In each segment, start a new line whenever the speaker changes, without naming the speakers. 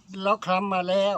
เราคลำมาแล้ว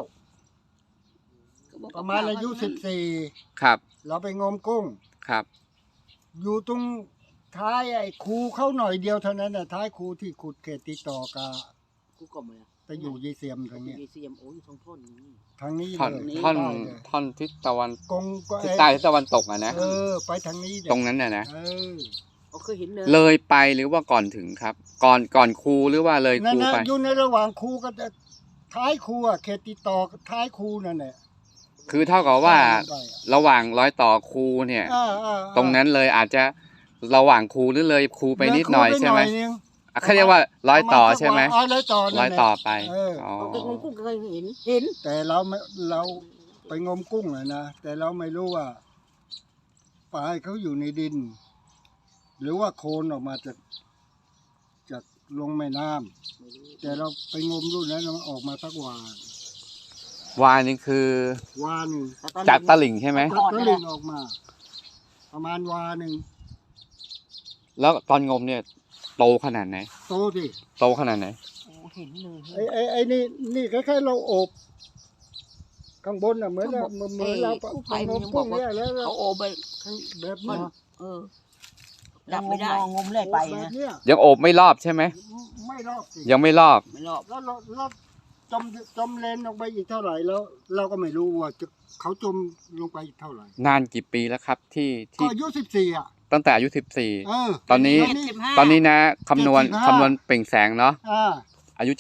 ประมาณอายุ14
ครับ
เราไปงมกุ้ง
ครับ
อยู่ตรงท้ายไอ้คูเขาหน่อยเดียวเท่านั้นน่ะท้ายคูที่ขุดเขตติดต่อกับ
กูกลมเลย
ไปอยู่ยีเซียมทางเนี้ย
ยีเซียมโอ้ยทางท่อนนี้
ทางนี้
ท่อน
เลย
ท่อนทิศตะวัน
กงก็
ทิศใต้ทิศตะวันตกอ่ะนะ
ไปทางนี้
ตรงนั้นน่ะนะ
เคยเห็น
เลยไปหรือว่าก่อนถึงครับก่อนคูหรือว่าเลยคูไป
อยู่ในระหว่างคูก็จะท้ายคูอ่ะเขตติดต่อท้ายคูนั่นแหละ
คือเท่ากับว่าระหว่างรอยต่อคูเนี่ยตรงนั้นเลยอาจจะระหว่างคูหรือเลยคูไปนิดหน่อยใช่ไหมเขาเรียกว่ารอยต่อใช่ไหมรอยต่อไป
ไปงมกุ้งเคยเห็น
แต่เราไปงมกุ้งนะแต่เราไม่รู้ว่าปลาเขาอยู่ในดินหรือว่าโคลนออกมาจากลงแม่น้ำแต่เราไปงมรุ่นนั้นมันออกมาสักวา
นี่คือ
วาหนึ่ง
จากตลิ่งใช่ไหม
ตลิ่งออกมาประมาณวาหนึ่ง
แล้วตอนงมเนี่ยโตขนาดไหน
โตสิ
โตขนาดไหน
เห็นเลย
ไอ้นี่คล้ายๆเราอบข้างบนอ่ะเหมือนเรา
ไปงมกุ้งเนี่ยแล้วเขาโอบไป
แบบนี้
ดับไม่ได้งมเลยไปนะ
ยังโอบไม่รอบใช่ไหม
ไม่รอบสิ
ยังไม่รอบ
แล้วเราจมเลนลงไปอีกเท่าไหร่แล้วเราก็ไม่รู้ว่าเขาจมลงไปอีกเท่าไหร่
นานกี่ปีแล้วครับที่
ก็อายุ14อ่ะ
ตั้งแต่อายุ14ตอนนี้นะคำนวณเปล่งแสงเนาะอายุ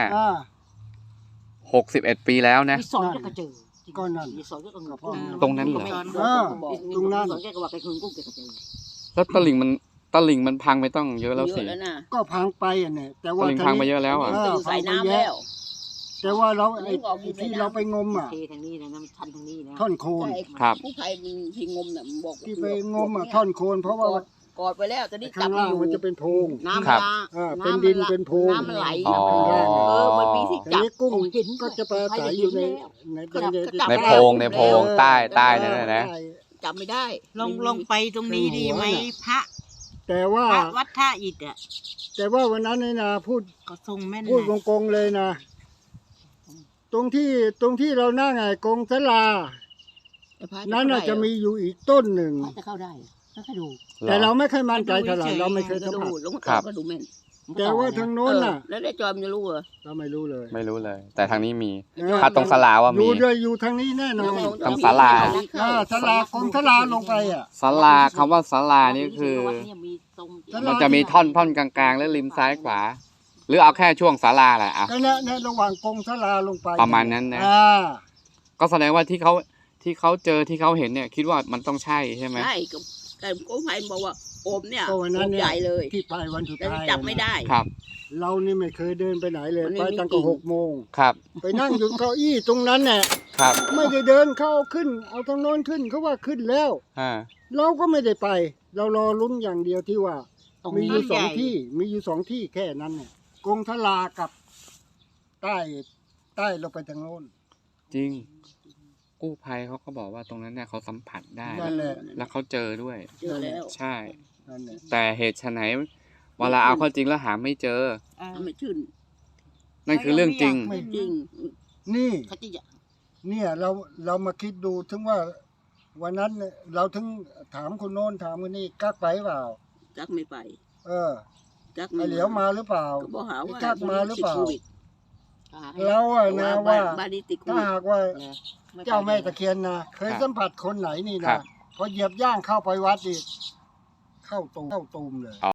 75 61 ปีแล้วนะ
สอนก็เจอ
ก้อนนั้น
ตรงนั้นเหรอ
ตรงนั้น
แล้วตลิ่งมันพังไปต้องเยอะแล้วสิ
ก็พังไปอ่ะเนี่ยแต่ว่า
ตลิ่งพังไปเยอะแล้วอ่ะ
ใส่น้ำแล้ว
แต่ว่าเราไอ้ที่เราไปงมอ่ะ
ทางนี้นะมันชันทางนี้นะ
ท่อนโคน
ครับ
ผู้ภัยที่งมน่ะบอก
ที่ไปงมอ่ะท่อนโคนเพราะว่
ากอดไปแล้วตอนนี้
ข้างล่างมันจะเป็นโพรง
น้ำ
เป็นดินเป็นโพรง
น้ำมันไหลมันมีที่จับ
กุ้งก็จะปลาใสอยู่
ในโพรงใต้นั่นแหละนะ
จับไม่ได้ลงไปตรงนี้ดีไหมพระ
แต่ว่า
วัดท่าอิฐอ่ะ
แต่ว่าวันนั้นนี่นะพูดกงเลยนะตรงที่เรานั่งไงกงศาลานั้นจะมีอยู่อีกต้นหนึ่ง
จะเข้าได้ก็ดู
แต่เราไม่เคยมั่นใจเท่าไหร่เราไม่เคยสัมผัส
ก็ดูแม่น
แต่ว่าทางโน้นน่ะ
แล้วได้จอมจะรู้เหรอ
เราไม่รู้
เลยแต่ทางนี้มีถ้าตรงศาลาว่ามี
อยู่ทางนี้แน่นอน
ตรงศาลา
ศาลากงศาลาลงไปอ่ะ
ศาลาคำว่าศาลานี่คือมันจะมีท่อนกลางๆและริมซ้ายขวาหรือเอาแค่ช่วงศาลาแหละอ่ะ
ในระหว่างกงศาลาลงไป
ประมาณนั้นนะก็แสดงว่าที่เขาเจอที่เขาเห็นเนี่ยคิดว่ามันต้องใช่ใช่ไหม
ใช่แต่กู้ภัยบอกว่าโอมเนี่ยโอมใหญ่เลย
ที่ไปวันสุดท้าย
จับไม่ได้
ครับ
เรานี่ไม่เคยเดินไปไหนเลยไปตั้งแต่6 โมง
ครับ
ไปนั่งอยู่เก้าอี้ตรงนั้นแหละ
ครับ
ไม่ได้เดินเข้าขึ้นเอาทางโน้นขึ้นเขาว่าขึ้นแล้วเราก็ไม่ได้ไปเรารอลุ้นอย่างเดียวที่ว่ามีอยู่2 ที่แค่นั้นเนี่ยกงทลากับใต้เราไปทางโน้น
จริงกู้ภัยเขาก็บอกว่าตรงนั้นเนี่ยเขาสัมผัสได้แล้วเขาเจอด้วยใช่แต่เหตุไฉนเวลาเอาเข้าจริงแล้วหาไม่เจอ
ไม่ชื่น
นั่นคือเรื่องจริง
นี่เนี่ยเรามาคิดดูถึงว่าวันนั้นเราถึงถามคนโน้นถามคนนี้กักไปเปล่า
กักไม่ไป
กักเหลียวมาหรือเปล่ากักมาหรือเปล่าเรานะว่าถ้าหากว่าเจ้าแม่ตะเคียนนะเคยสัมผัสคนไหนนี่นะพอเหยียบย่างเข้าไปวัดอีกเข้าตูมเลย